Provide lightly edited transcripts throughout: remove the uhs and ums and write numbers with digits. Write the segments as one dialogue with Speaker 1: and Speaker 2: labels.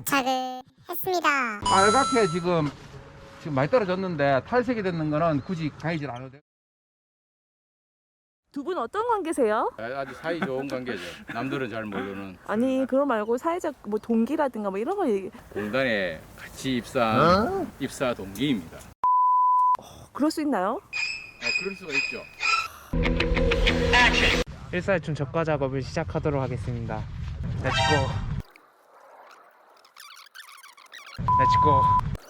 Speaker 1: 도착을 했습니다.
Speaker 2: 빨갛게 지금 많이 떨어졌는데 탈색이 됐는 거는 굳이 가이질 않아도 돼.
Speaker 3: 두 분 어떤 관계세요?
Speaker 4: 아주 사이 좋은 관계죠. 남들은 잘 모르는.
Speaker 3: 아니 그거 말고 사회적 뭐 동기라든가 뭐 이런 거 얘기.
Speaker 4: 공단에 같이 입사한 입사 동기입니다.
Speaker 3: 그럴 수 있나요?
Speaker 4: 그럴 수가 있죠.
Speaker 5: 일사일춘 적과 작업을 시작하도록 하겠습니다. 렛츠고. 렛츠고.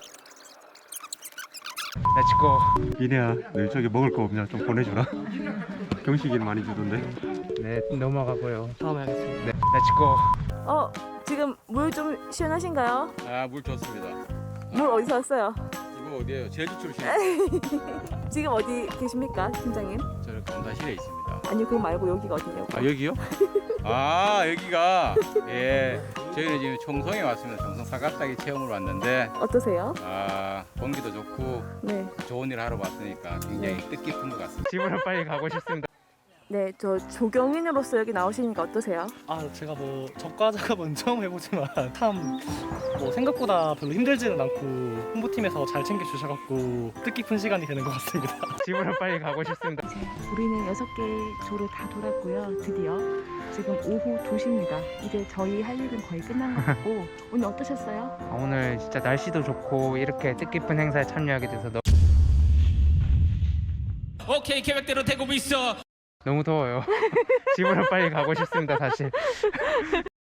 Speaker 5: 렛츠고.
Speaker 6: 미래야, 너 저기 먹을 거 없냐? 좀 보내주라. 경식이는 많이 주던데.
Speaker 5: 네, 넘어가고요. 다음에 하겠습니다. 네, 렛츠고.
Speaker 3: 지금 물 좀 시원하신가요?
Speaker 4: 물 좋습니다.
Speaker 3: 물 어디서 왔어요?
Speaker 4: 이거 어디에요? 제주 출신.
Speaker 3: 지금 어디 계십니까, 팀장님?
Speaker 4: 저는 검사실에 있습니다.
Speaker 3: 아니 그거 말고 여기가 어디냐고.
Speaker 4: 여기요? 여기가 저희는 지금 청송에 왔습니다. 청송 사각사기 체험을 왔는데
Speaker 3: 어떠세요?
Speaker 4: 공기도 좋고
Speaker 3: 네.
Speaker 4: 좋은 일 하러 왔으니까 굉장히 뜻깊은 것 같습니다.
Speaker 5: 집으로 빨리 가고 싶습니다.
Speaker 3: 네, 저 조경인으로서 여기 나오시니까 어떠세요?
Speaker 7: 제가 뭐 적과 작업은 처음 해보지만 참 뭐 생각보다 별로 힘들지는 않고 홍보팀에서 잘 챙겨주셔갖고 뜻깊은 시간이 되는 것 같습니다.
Speaker 5: 집으로 빨리 가고 싶습니다.
Speaker 3: 우리는 6개 조를 다 돌았고요. 드디어 지금 오후 2시입니다. 이제 저희 할 일은 거의 끝난 것 같고 오늘 어떠셨어요?
Speaker 5: 오늘 진짜 날씨도 좋고 이렇게 뜻깊은 행사에 참여하게 돼서
Speaker 8: 오케이, 계획대로 되고 있어.
Speaker 5: 너무 더워요. 집으로 빨리 가고 싶습니다, 사실.